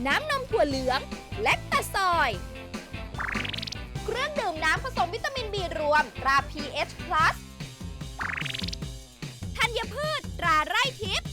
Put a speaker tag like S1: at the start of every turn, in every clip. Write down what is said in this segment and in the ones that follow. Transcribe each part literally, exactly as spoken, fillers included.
S1: น้ำนมถั่วเหลืองและตาซอย เครื่องดื่มน้ำผสมวิตามิน บี รวมตรา พี เอช พลัส ธัญพืชตราไร่ทิพย์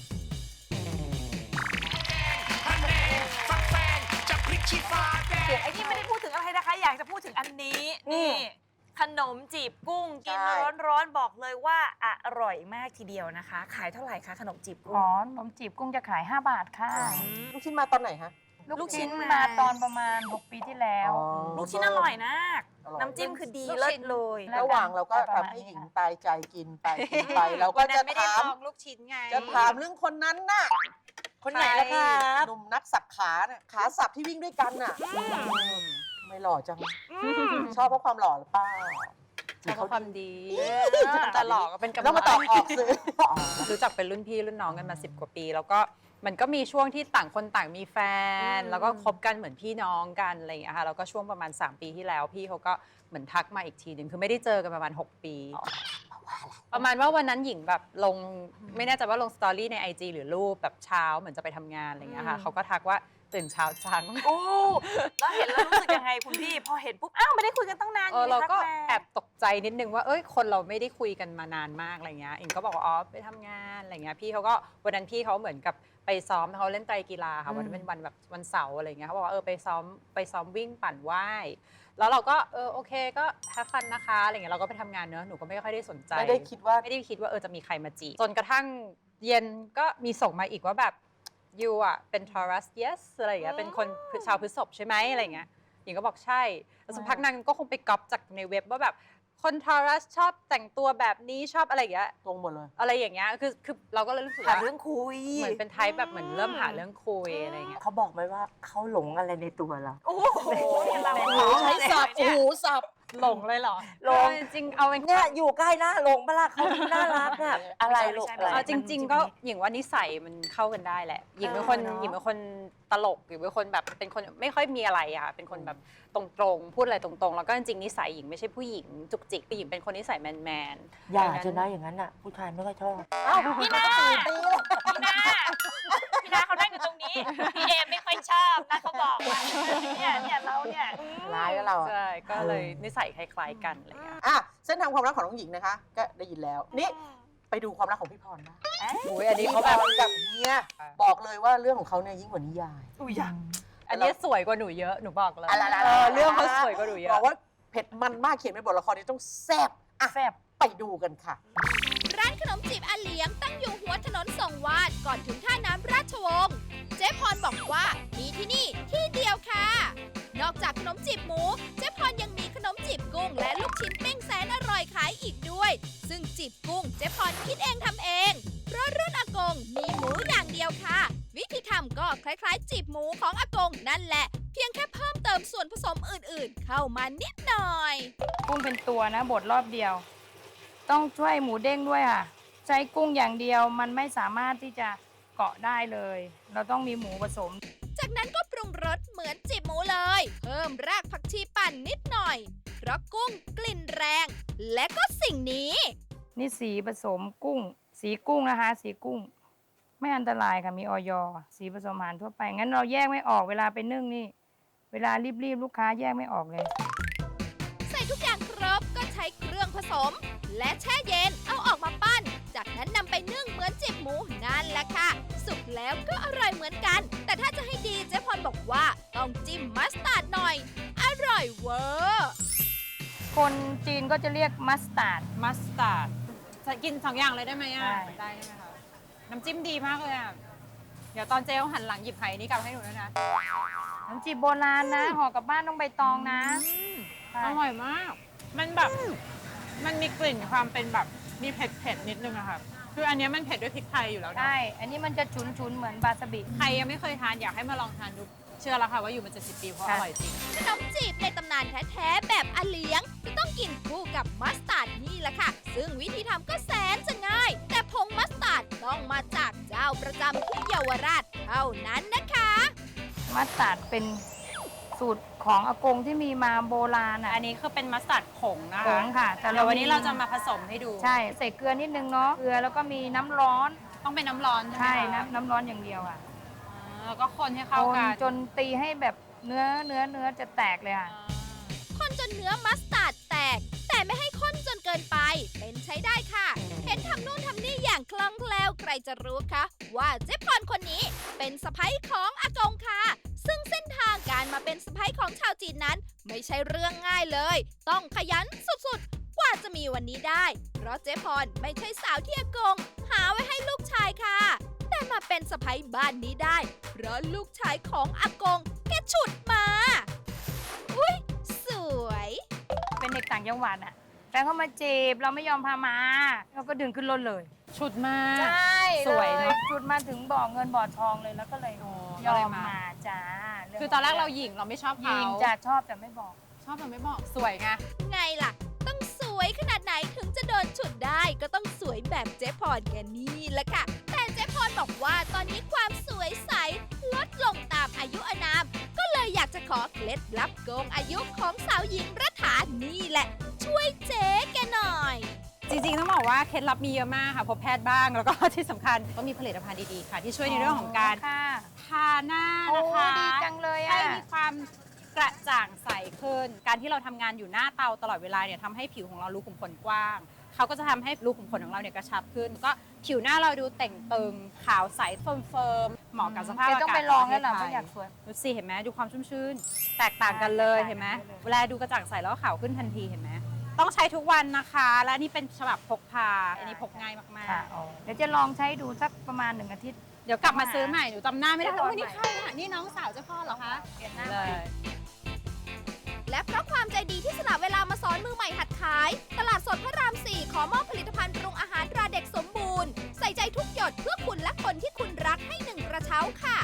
S2: เดี๋ยวไอ้นี่ไม่ได้พูดถึงอะไรนะคะ อยากจะพูดถึงอันนี้นี่ขนมจีบกุ้งกินร้อนๆบอกเลยว่าอร่อยมากทีเดียวนะคะ ขายเท่าไหร่คะขนมจีบกุ้ง
S3: อ๋อขนมจีบกุ้งจะขายห้าบาทค่ะ
S4: ลูกชิ้นมาตอนไหนฮะ
S2: ลูกชิ้น
S3: มาตอนประมาณหกปีที่แล้ว
S2: ลูกชิ้นอร่อยมาก
S4: อร่อย
S2: น้ำจิ้มคือดี
S3: ลูก
S2: เลิ
S3: ชิ้
S2: ศ
S3: น
S2: เลย
S3: แล้ว
S4: ระหว่างเราก็
S3: ประ
S4: ทำ
S3: มาณ
S4: ให้หญิง
S3: นี้
S4: ตายใจกินไปกินไปเราก็จะ
S5: ไม่ได้
S4: ถาม
S5: ลองลูกชิ้นไง
S4: จะถามเรื่องคนนั้นน่ะ
S5: คนไหนล่ะครับ
S4: หนุ่มนักสับขาน่ะขาสับที่วิ่งด้วยกันน่ะไม่หล่อจังชอบเพราะความหล่อหรือเปล่า
S5: ใช้ความดีแต่หลอกก็เป็นกำลัง
S4: แล้วมาตอบออกสื่อ
S5: รู้จักเป็นรุ่นพี่รุ่นน้องกันมาสิบกว่าปี แล้วก็มันก็มีช่วงที่ต่างคนต่างมีแฟน แล้วก็คบกันเหมือนพี่น้องกันอะไรอย่างเงี้ยค่ะแล้วก็ช่วงประมาณสามปีที่แล้วพี่เขาก็เหมือนทักมาอีกทีหนึ่งคือไม่ได้เจอกันประมาณหกปี ประมาณว่าวันนั้นหญิงแบบลงไม่แน่ใจว่าลงสตอรี่ใน ไอ จี หรือรูปแบบเช้าเหมือนจะไปทำงานอะไรอย่างเงี้ยค่ะเขาก็ทักว่าตื่นเช้าจัง
S2: โอ้แล้วเห็นแล้วรู้สึกยังไงคุณพี่ พอเห็นปุ๊บ อ้าว ไม่ได้คุยกันตั้งนาน
S5: เออเราก็
S2: ยู่ในทัมา
S5: แอบตกใจนิดนึงว่าเอ้ยคนเราไม่ได้คุยกันมานานมากอะไรเงี้ยอิงก็บอกว่าอ๋อไปทำงานอะไรเงี้ยพี่เขาก็วันนั้นพี่เขาเหมือนกับไปซ้อมเขาเล่นไตรกีฬาค่ะวันนั้นเป็นวันแบบวันเสาร์อะไรเงี้ยเขาบอกว่าเออไปซ้อมไปซ้อมวิ่งปั่นว่ายแล้วเราก็เออโอเคก็แฮปฟันนะคะอะไรเงี้ยเราก็ไปทำงานเนอะหนูก็ไม่ค่อยได้สนใจ
S4: ไม่ได้คิดว่า
S5: ไม่ได้คิดว่าเออจะมีใครมาจีบจนกระทั่งเย็นก็มีส่งมาอีกว่าแบบยูอ่ะเป็น Taurus yes อะไรอย่างเงี้ยเป็นคนชาวพฤษภใช่ไหมอะไรเงี้ยหญิงก็บอกใช่แล้วสักพักนางก็คงไปก๊อปจากในเว็บว่าแบบคน Taurus ชอบแต่งตัวแบบนี้ชอบอะไรอย่างเงี้ย
S4: ตรงหมดเลย
S5: อะไรอย่างเงี้ยคือคือเราก็เลยรู้สึก
S2: หา
S5: ว่า
S2: เรื่องคุย
S5: เหมือนเป็นไทป์แบบเหมือนเริ่มหาเรื่องคุยอะไรเงี้ย
S6: เขาบอกไหมว่าเขาหลงอะไรในตัวเรา
S2: โอ้โหเรา
S4: ใช้สับโอ้โหสับ
S5: หลงเลยเหรอ
S6: หลง
S5: เออจริงเอาเป็น
S6: เนี่ยอยู่ใกล้หน้าหลงปะล่ะเขาน่ารักอะอะไรลูกอะไร
S5: เอาจริง ๆ ก็หญิงว่านิสัยมันเข้ากันได้แหละหญิงเป็นคน
S6: เออเนอะ
S5: หญิงเป็นคนตลกหญิงเป็นคนแบบเป็นคนไม่ค่อยมีอะไรอะค่ะเป็นคนแบบตรงๆพูดอะไรตรงๆแล้วก็จริงๆนิสัยหญิงไม่ใช่ผู้หญิงจุกจิกหญิงเป็นคนนิสัยแมนๆ
S6: อย่า
S5: ดัง
S6: จะนะอย่างนั้นอะผู้ชายไม่ค่อยชอบ
S2: พี่นาพี่นาพี่นาเขานั่งอยู่ตรงนี้ พี่เอมไม่ค่อยชอบนะเขาบอกว่าเนี่ยเนี่ยเราเนี่ยอืม
S4: ร้ายแล้วเราอะ
S5: ใช่ก็เลยนิสัยคล้ายๆกันอะไรอย่างเงี้ย
S4: อ่ะเส้นทางความรักของน้องหญิงนะคะ ก็ได้ยินแล้ว นี่ไปดูความรักของพี่พรนะ
S5: โอ้ยอันนี้
S4: พี่
S5: เขา
S4: พ
S5: แบบ
S4: รกับเฮียบอกเลยว่าเรื่องของเขาเนี่ยยิ่งกว่านิยาย
S2: อุ้ยอยาก
S5: อันนี้สวยกว่าหนูเยอะหนูบอกเลย
S4: อะไรๆๆ
S5: เออเรื่องเขาสวยกว่าหนูเยอะ
S4: บอกว่าเผ็ดมันมากเขียนเป็นบทละครนี้ต้องแซ่บอ่ะ
S3: แซ่บ
S4: ไปดูกันค่ะ
S1: ร้านขนมจีบอาเหลียงตั้งอยู่หัวถนนส่งวาดก่อนถึงท่าน้ำราชวงศ์เจ๊พรบอกว่ามีที่นี่ที่เดียวค่ะ นอกจากขนมจีบหมูเจ๊พรยังมีขนมจีบกุ้งและลูกชิ้นปิ้งแสนอร่อยขายอีกด้วย ซึ่งจีบกุ้งเจ๊พรคิดเองทำเองเพราะรุ่นอากงมีหมูอย่างเดียวค่ะ วิธีทำก็คล้ายๆ จีบหมูของอากงนั่นแหละ เพียงแค่เพิ่มเติมส่วนผสมอื่นๆ เข้ามานิดหน่อย
S3: กุ้งเป็นตัวนะบดรอบเดียว ต้องช่วยหมูเด้งด้วยค่ะ ใช้กุ้งอย่างเดียวมันไม่สามารถที่จะเกาะได้เลย เราต้องมีหมูผสม
S1: จากนั้นก็ปรุงรสเหมือนจีบหมูเลย เพิ่มรากผักชีปั่นนิดหน่อย เพราะกุ้งกลิ่นแรง และก็สิ่งนี้ นี่
S3: นี่สีผสมกุ้ง สีกุ้งนะคะ สีกุ้ง ไม่อันตรายค่ะมีออยสีผสมอาหารทั่วไป งั้นเราแยกไม่ออกเวลาไปนึ่งนี่ เวลารีบๆลูกค้าแยกไม่ออกเลย
S1: ใส่ทุกอย่างครบก็ใช้เครื่องผสม และแช่เย็นเอาออกมาปั้น จากนั้นนำไปนึ่งเหมือนจีบหมูนั่นแหละค่ะ สุกแล้วก็อร่อยเหมือนกัน แต่ถ้าจะให้ดีเจ๊พรบอกว่าต้องจิ้มมัสตาร์ดหน่อย อร่อยเวอร์
S3: คนจีนก็จะเรียกมัสตาร์ด
S5: มัสตาร์ดกินสองอย่างเลยได้ไหมอ่ะ
S3: ได้
S5: ได้ใช่ไหมคะน้ำจิ้มดีมากเลยอ่ะเดี๋ยวตอนเจ๊หันหลังหยิบไหนี้กลับให้หนูด้วยนะ
S3: น้ำจีบโบราณนะห่อกลับบ้านต้องใบตองนะใช่
S5: อร่อยมาก มันแบบมันมีกลิ่นความเป็นแบบมีเผ็ดเผ็ดๆนิดนึงอะค่ะคืออันเนี้ยมันเผ็ดด้วยพริกไทยอยู่แล้วนะ
S3: ใช่ อันนี้มันจะฉุนๆเหมือนบาสบิ
S5: ใครยังไม่เคยทานอยากให้มาลองทานดูเชื่อแล้วค่ะว่าอยู่มาเจ็ดสิบปีเพราะอ
S3: ค่ะ
S5: ร่อยจริง
S1: ขนมจีบในตำนานแท้ๆแบบอาเหลียงจะต้องกินคู่กับมัสตาร์ดนี่แหละค่ะ ซึ่งวิธีทำก็แสนจะง่าย แต่ผงมัสตาร์ดต้องมาจากเจ้าประจำที่เยาวราชเท่านั้นนะคะ
S3: มัสตาร์ดเป็นสูตรของอากงที่มีมาโบราณอ่ะ
S5: อันนี้คือเป็นมัสตาร์ดผงนะ
S3: ผ
S5: คะ
S3: งค่ะ แต่
S5: เดี๋ยววัน
S3: มี
S5: นี้เราจะมาผสมให้ดู
S3: ใช่ใส่เกลือนิดนึงเนาะเกลือแล้วก็มีน้ำร้อน
S5: ต้องเป็นน้ำร้อนใช่
S3: ใช่
S5: ไหมคะ
S3: น้ำน้ำร้อนอย่างเดียวอ่ะ
S5: อ่าแล้วก็คนให้เข้า
S3: คน
S5: กัน
S3: จนตีให้แบบเนื้อเนื้อเนื้อจะแตกเลยค่ะ
S1: คนจนเนื้อมัสตาร์ดแตก แต่ไม่ให้ข้นจนเกินไป เป็นใช้ได้ค่ะ เห็นทำนู่นทำนี่อย่างคล่องแคล่วใครจะรู้คะว่าเจ๊พรคนนี้เป็นสะใภ้ของอากงค่ะ ซึ่งเส้นทางการมาเป็นสะใภ้ของชาวจีนนั้น ไม่ใช่เรื่องง่ายเลย ต้องขยันสุดๆ กว่าจะมีวันนี้ได้ เพราะเจ๊พรไม่ใช่สาวที่อากง หาไว้ให้ลูกชายค่ะ แต่มาเป็นสะใภ้บ้านนี้ได้ เพราะลูกชายของอากงแกฉุดมา อุ๊ย สวย
S3: เป็นเด็กต่างจังหวัดอ่ะแฟนเขามาจีบเราไม่ยอมพามาเราก็ดึงขึ้นรถเลย
S5: ชุดมาก
S3: ใช่
S5: สวย
S3: เล
S5: เนอะ
S3: จุดมาถึงบ่อเงินบ่อทองเลยแล้วก็เลย
S5: อ๋อย
S3: อ
S5: ก็เลย
S3: ม
S5: มา
S3: มาจ้าง
S5: คือตอนแรกเราหญิงเราไม่ชอบ
S3: ห
S5: เขา
S3: ญิงจะชอบแต่ไม่บอก
S5: ชอบแต่ไม่บอกสวยไง
S1: ไงล่ะ ต้องสวยขนาดไหนถึงจะโดนฉุดได้ก็ต้องสวยแบบเจ๊พรแกนี่แหละค่ะ แต่เจ๊พรบอกว่าตอนนี้ความสวยใสลดลงตามอายุอานาม ก็เลยอยากจะขอเคล็ดลับโกงอายุของสาวหญิงรัฐานี่แหละ ช่วยเจ๊แกหน่อย
S5: จริงๆ ต้องบอกว่าเคล็ดลับมีเยอะมากค่ะพบแพทย์บ้างแล้วก็ ที่สำคัญก็มีผลิตภัณฑ์ดีๆค่ะ ที่ช่วยในเรื่องของการ
S3: ค่ะ
S5: ทาหน้า
S3: โอ้
S5: นะคะ
S3: ดีจังเลย
S5: ให้
S3: อ่ะ
S5: มีความกระจ่างใสขึ้น การที่เราทำงานอยู่หน้าเตาตลอดเวลาเนี่ยทำให้ผิวของเรารูขุมขนกว้าง เขาก็จะทำให้รูขุมขนของเราเนี่ยกระชับขึ้น ก็ผิวหน้าเราดูเต่งตึงขาวใสเฟิร์มเฟิร์มเหมาะกับสภาพ
S3: แก
S5: อากาศ
S3: ต้องไปลองแล้วล่ะ
S5: ข
S3: เพ
S5: ป
S3: ราะ
S5: ระ
S3: อยาก
S5: เทศ
S3: สวย
S5: ไทยดูสิเห็นไหมดูความชุ่มชื่น แตกต่างกันเลย
S3: แตกต่าง
S5: เห็นไหม
S3: กันเลย
S5: เวลาดูกระจ่างใสแล้วก็ขาวขึ้นทันทีเห็นไหมต้องใช้ทุกวันนะคะ และนี่เป็นฉบับพกพาอันนี้พกง่ายมาก
S3: ค่ะ
S5: ๆ
S3: เดี๋ยวจะลองใช้ดูสักประมาณหนึ่งอาทิตย์
S5: เดี๋ยวกลับมาซื้อใหม่ หนูจำหน้าไม่ได้
S3: เดี๋
S5: แต่
S3: ยว
S5: ว่านี่
S3: ก่
S5: ใค
S3: อน
S5: รอ่ะ นี่น้องสาวเจ้าพ่อเหรอคะ
S3: เปลี่ยนหน้า
S5: เล
S3: ใหม่
S5: ย
S1: และเพราะความใจดีที่สละเวลามาสอนมือใหม่หัดขาย ตลาดสดพระราม สี่ ขอมอบผลิตภัณฑ์ปรุงอาหารตราเด็กสมบูรณ์ ใส่ใจทุกหยดเพื่อคุณและคนที่คุณรักให้หนึ่งกระเช้าค่ะ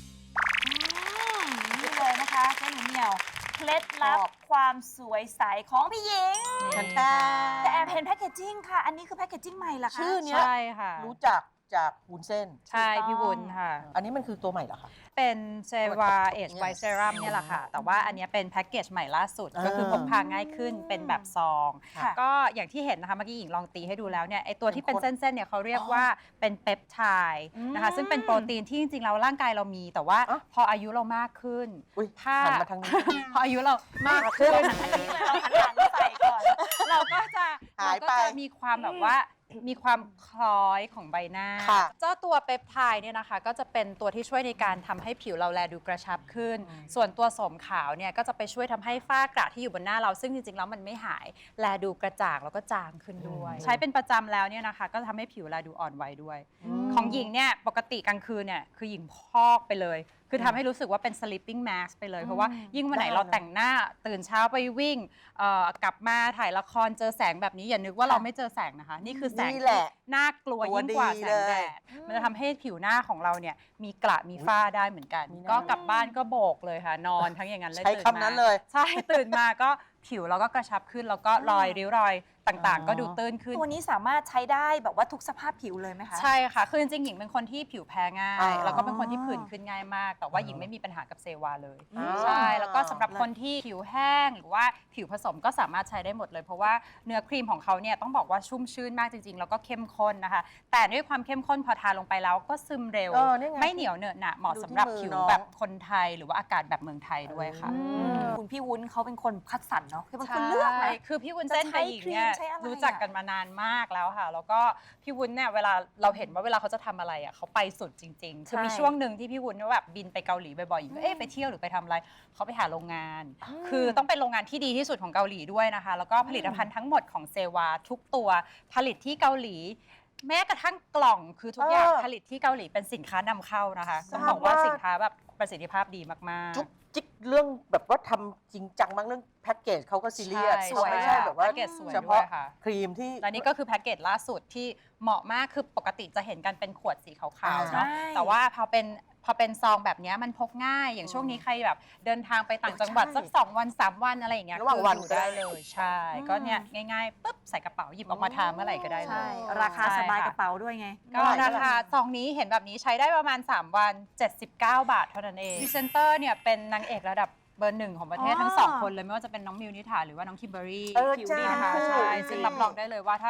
S2: นี่เลยนะคะเจ๊หนูเหมียวเคล็ดลับความสวยใสของพี่หญิง
S4: ฉัน
S5: นี่
S4: แต่
S2: แต่แอบเห็นแพคเกจจิ้งค่ะ อันนี้คือแพคเกจจิ้งใหม่เหรอคะ
S4: ชื่อเนี้ย
S5: ใช่ค่ะ
S4: รู้จักจากวุ้นเส้น
S5: ใช่พี่วุ้นค่ะ
S4: อันนี้มันคือตัวใหม่เหรอคะ
S5: เป็นเซวาเอชไวเซรัมเนี่ยแหละค่ะ แต่ว่าอันเนี้ยเป็นแพ็กเกจใหม่ล่าสุด
S4: อ่า
S5: ก็คือพกพาง่ายขึ้นเป็นแบบซอง
S2: ค่ะ
S5: ก็อย่างที่เห็นนะคะเมื่อกี้หญิงลองตีให้ดูแล้วเนี่ยไอตัวที่เป็น
S4: เป็นคน
S5: เส้นๆเนี่ยเขาเรียกว่าเป็นเปปไทด์นะคะ ซึ่งเป็นโปรตีนที่จริงๆแล้วร่างกายเรามี แต่ว่า
S4: อ๋อ
S5: พออายุเรามากขึ้น
S4: อุ้ย
S5: ถ้า
S4: หันมาทางนี้
S5: พออายุเรามากขึ้น
S2: อันนี้เลยเราหันหลังใส่ก่อน
S5: เราก็จะ
S4: หาย
S5: เรา
S4: ไป
S5: ก็จะมีความแบบว่ามีความคล้อยของใบหน้า
S4: ค่ะ
S5: เจ้าตัวเปปไทด์เนี่ยนะคะก็จะเป็นตัวที่ช่วยในการทำให้ผิวเราแลดูกระชับขึ้น
S4: อืม
S5: ส่วนตัวโสมขาวเนี่ยก็จะไปช่วยทำให้ฝ้ากระที่อยู่บนหน้าเราซึ่งจริงๆแล้วมันไม่หาย แลดูกระจ่างแล้วก็จางขึ้นด้วย ใช้เป็นประจำแล้วเนี่ยนะคะก็ทำให้ผิวแลดูอ่อนวัยด้วย ของหญิงเนี่ยปกติกลางคืนเนี่ยคือหญิงพอกไปเลย คือทำให้รู้สึกว่าเป็น sleeping mask ไปเลย เพราะว่ายิ่งวันไหน
S4: ได้
S5: เรา
S4: นะ
S5: แต่งหน้าตื่นเช้าไปวิ่งเอ่อกลับมาถ่ายละครเจอแสงแบบนี้อย่านึกว่าเราไม่เจอแสงนะคะ นี่คือแสง
S4: นี่
S5: ที่
S4: แหละ
S5: น่ากลัว
S4: ตัว
S5: ยิ่งกว่า
S4: ดี
S5: แสงแด
S4: เลย
S5: ดมันจะทำให้ผิวหน้าของเราเนี่ยมีกระมีฝ้าได้เหมือนกัน
S4: มีหน้า
S5: ก็กลับบ้านก็โบกเลยค่ะ นอนทั้งอย่างนั้นเลย
S4: ใช้
S5: ตื่
S4: คำนั้นเลย
S5: ใช่ตื่นมาก็ผิวเราก็กระชับขึ้นแล้วก็รอยริ้วรอยต่างๆ ก็ดูตื้นขึ้น
S2: ตัวนี้สามารถใช้ได้แบบว่าทุกสภาพผิวเลยไหมคะ
S5: ใช่ค่ะ คือจริงๆ หญิงเป็นคนที่ผิวแพ้ง่า
S4: อ๋
S5: ย
S4: อ
S5: แล้วก็เป็นคนที่ผื่นขึ้นง่ายมาก แต่ว่าหญิงไม่มีปัญหากับเซวาเลย
S4: อ๋อ
S5: ใช่ แล้วก็สำหรับคนที่ผิวแห้งหรือว่าผิวผสมก็สามารถใช้ได้หมดเลย เพราะว่าเนื้อครีมของเขาเนี่ยต้องบอกว่าชุ่มชื่นมากจริงๆ แล้วก็เข้มข้นนะคะ แต่ด้วยความเข้มข้นพอทาลงไปแล้วก็ซึมเร็ว
S4: เออนี่ไง
S5: ไม่เหนียวเหนอะหนะเหมาะ
S4: ดูที่
S5: สำหรับ
S4: มือ
S5: ผิว
S4: น้อง
S5: แบบคนไทยหรือว่าอากาศแบบเมืองไทยด้วยค่ะ
S2: อืมคุณพี่วุ้นเขาเป็นคนคัดสรรเนาะคือเป็นคนเลือกนะ
S5: ใช่คือพี่วุ้นเส้นกับหญิงเนี่ย
S2: จะใช้ครีมใช้อะไรอะ
S5: รู้จักกันมานานมากแล้วค่ะ แล้วก็พี่วุ้นเนี่ยเวลาเราเห็นว่าเวลาเขาจะทำอะไรอ่ะเขาไปสุดจริงๆ คือมีช่วงหนึ่งที่พี่วุ้นแบบบินไปเกาหลีบ่อยๆหญิงก็เอ๊ะไปเที่ยวหรือไปทำอะไรเขาไปหาโรงงาน คือต้องเป็นโรงงานที่ดีที่สุดของเกาหลีด้วยนะคะ แล้วก็ผลิตภัณฑ์ทั้งหมดของเซวาทุกตัวผลิตที่เกาหลี แม้กระทั่งกล่องคือทุกอย่าง
S4: เออ
S5: ผลิตที่เกาหลีเป็นสินค้านำเข้านะคะ
S4: ทราบ
S5: ต้องบอกว่า
S4: ว่า
S5: สินค้าแบบประสิทธิภาพดีมากๆ
S4: จุ๊กจิ๊กเรื่องแบบว่าทำจริงจังมากเรื่องแพ็กเกจเขาก็ซีเรียส
S5: ใช่
S4: เขาไม่ใช่แบบว่า
S5: แพ็กเกจสวย
S4: เฉ
S5: ด้ว
S4: พาะ
S5: ยค่ะ
S4: ครีมที่
S5: และนี่ก็คือแพ็กเกจล่าสุดที่เหมาะมากคือปกติจะเห็นกันเป็นขวดสีขาวๆ
S4: อ่า
S5: เนาะ
S2: ใช่
S5: แต่ว่าพอเป็นพอเป็นซองแบบเนี้ยมันพกง่าย อย่างช่วงนี้ใครแบบเดินทางไปต่างจังหวัด
S4: ใช่
S5: สักสองวันสามวันอะไรอย่างเงี้ย
S4: ระหว่างวัน
S5: คืออยู่
S4: ก็ได้
S5: ได้เลยใช่ ก็เนี่ยง่ายๆปุ๊บใส่กระเป๋าหยิบออกมาทานเมื่อไหร่ก็ได้เล
S2: ใช่
S5: ย
S2: ราคาสบาย
S5: ใช่ค่ะ
S2: กระเป๋าด้วยไง
S5: ก็ราคาซองนี้เห็นแบบนี้ใช้ได้ประมาณ สาม วัน เจ็ดสิบเก้า บาทเท่านั้นเองพรีเซนเตอร์เนี่ยเป็นนางเอกระดับเบอร์หนึ่งของประเทศ
S2: อ๋อ
S5: ทั้งสองคนเลยไม่ว่าจะเป็นน้องมิวนิถาหรือว่าน้องคิมเบอรี่
S4: เออ
S5: ผิว
S4: จ้า
S5: ดีนะคะ
S4: คู่
S5: ใช่ซึ่งรับรองได้เลยว่าถ้าค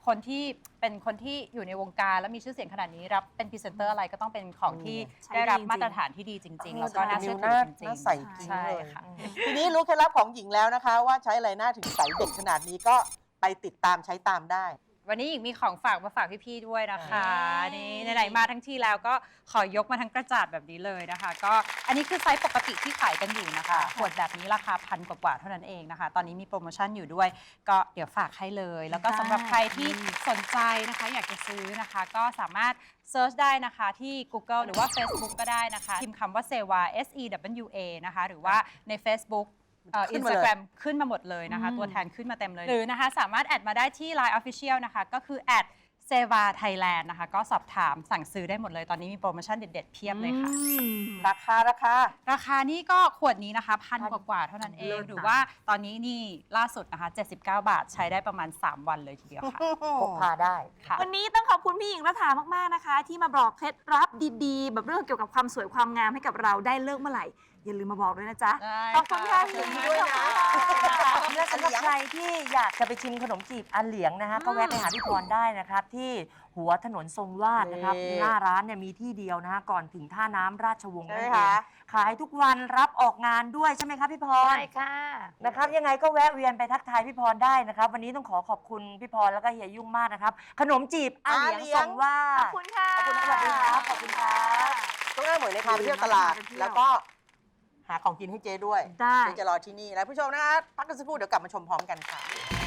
S5: คนที่เป็นคนที่อยู่ในวงการแล้วมีชื่อเสียงขนาดนี้รับเป็นพรีเซนเตอร์อะไรก็ต้องเป็นของที่
S2: ใช่
S5: ได้รับ
S2: จริงๆ
S5: มาตรฐานที่ดีจริง ๆ แล้วก็น่าเชื่อถื
S4: หน้า
S5: อจริง
S4: หน้า
S5: ๆ
S4: ใสจริง
S5: ใช่
S4: เลย
S5: ค่ะ
S4: ทีนี้รู้เคล็ดลับของหญิงแล้วนะคะ ว่าใช้อะไรหน้าถึงใสเด็กขนาดนี้ก็ไปติดตามใช้ตามได้
S5: วันนี้หญิงมีของฝากมาฝากพี่ๆด้วยนะคะ
S2: เย้
S5: นี่ไหนๆมาทั้งทีแล้วก็ขอยกมาทั้งกระจาดแบบนี้เลยนะคะ ก็อันนี้คือไซส์ปกติที่ขายกันอยู่นะคะ
S4: ค่ะ
S5: ขวดแบบนี้ราคาพันกว่าๆเท่านั้นเองนะคะ ตอนนี้มีโปรโมชั่นอยู่ด้วย ก็เดี๋ยวฝากให้เลย แล้วก็สำหรับใครที่สนใจนะคะ อยากจะซื้อนะคะ ก็สามารถเซิร์ชได้นะคะที่ Google หรือว่า Facebook ก็ได้นะคะพิมพ์คำว่าเซวา S E W A นะคะหรือว่าใน Facebook เอิ
S4: ขึ้
S5: น
S4: น
S5: ส
S4: มา
S5: ตา
S4: เลย
S5: แกรมขึ้นมาหมดเลยนะคะ ตัวแทนขึ้นมาเต็มเลย หรือนะคะสามารถแอดมาได้ที่ ไลน์ Official นะคะก็คือแอดเซวาไทยแลนด์นะคะก็สอบถามสั่งซื้อได้หมดเลยตอนนี้มีโปรโมชั่นเด็ดๆเพียบเลยค่ะ
S4: ราคาราคา
S5: ราคานี่ก็ขวดนี้นะคะพันกว่าๆเท่านั้นเอง
S2: เลิศนะ
S5: หรือว่าตอนนี้นี่ล่าสุดนะคะเจ็ดสิบเก้าบาทใช้ได้ประมาณ สาม วันเลยทีเดียวค่ะ
S6: พกพาได้
S5: ค่ะ
S2: วันนี้ต้องขอบคุณพี่หญิงรัฐามาก ๆ นะคะ ที่มาบอกเคล็ดลับดีๆ แบบเรื่องเกี่ยวกับความสวยความงามให้กับเราได้เลิกเมื่อไหร่ อย่าลืมมาบอกด้วยนะจ๊ะ
S5: ได้
S2: ขอบคุณค่ะ
S5: ค่ะ
S2: พี่หญิง
S4: ด้วยนะ
S6: และสำหรับใครที่อยากจะไปชิมขนมจีบอันเหลียงนะคะก็แวะไปหาพี่พรได้นะครับ ที่หัวถนนทรงวาดนะครับ
S4: นี่
S6: หน้าร้านเนี่ยมีที่เดียวนะฮะก่อนถึงท่าน้ำราชวงศ์
S4: ใช่
S6: นั่
S4: ไหม
S6: นเอง
S4: คะ
S6: ขายทุกวันรับออกงานด้วยใช่ไหมครับพี่พร
S3: ใช่ค่ะ
S6: นะครับยังไงก็แวะเวียนไปทักทายพี่พรได้นะครับ วันนี้ต้องขอขอบคุณพี่พรแล้วก็เฮียยุ่งมากนะครับ ขนมจีบอันเหลียง
S4: อาเหลียง
S6: ทรงวา
S2: ขอ
S6: ด
S2: บคุณค่ะ
S6: ขอบคุณสวัสดีครับขอบคุณครับ
S4: ต้องให้เหมือนในพาไปเที่ยวตลาด แล้วก็หาของกินให้เจ๊ด้วย
S2: ได้
S4: เจ๊จะรอที่นี่แล้วผู้ชมนะคะพักกันสักครู่เดี๋ยวกลับมาชมพร้อมกันค่ะ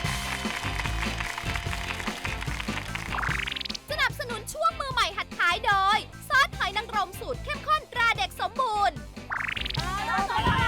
S1: สนับสนุนช่วงมือใหม่หัดขายโดย ซอสหอยนางรมสูตรเข้มข้นตราเด็กสมบูรณ์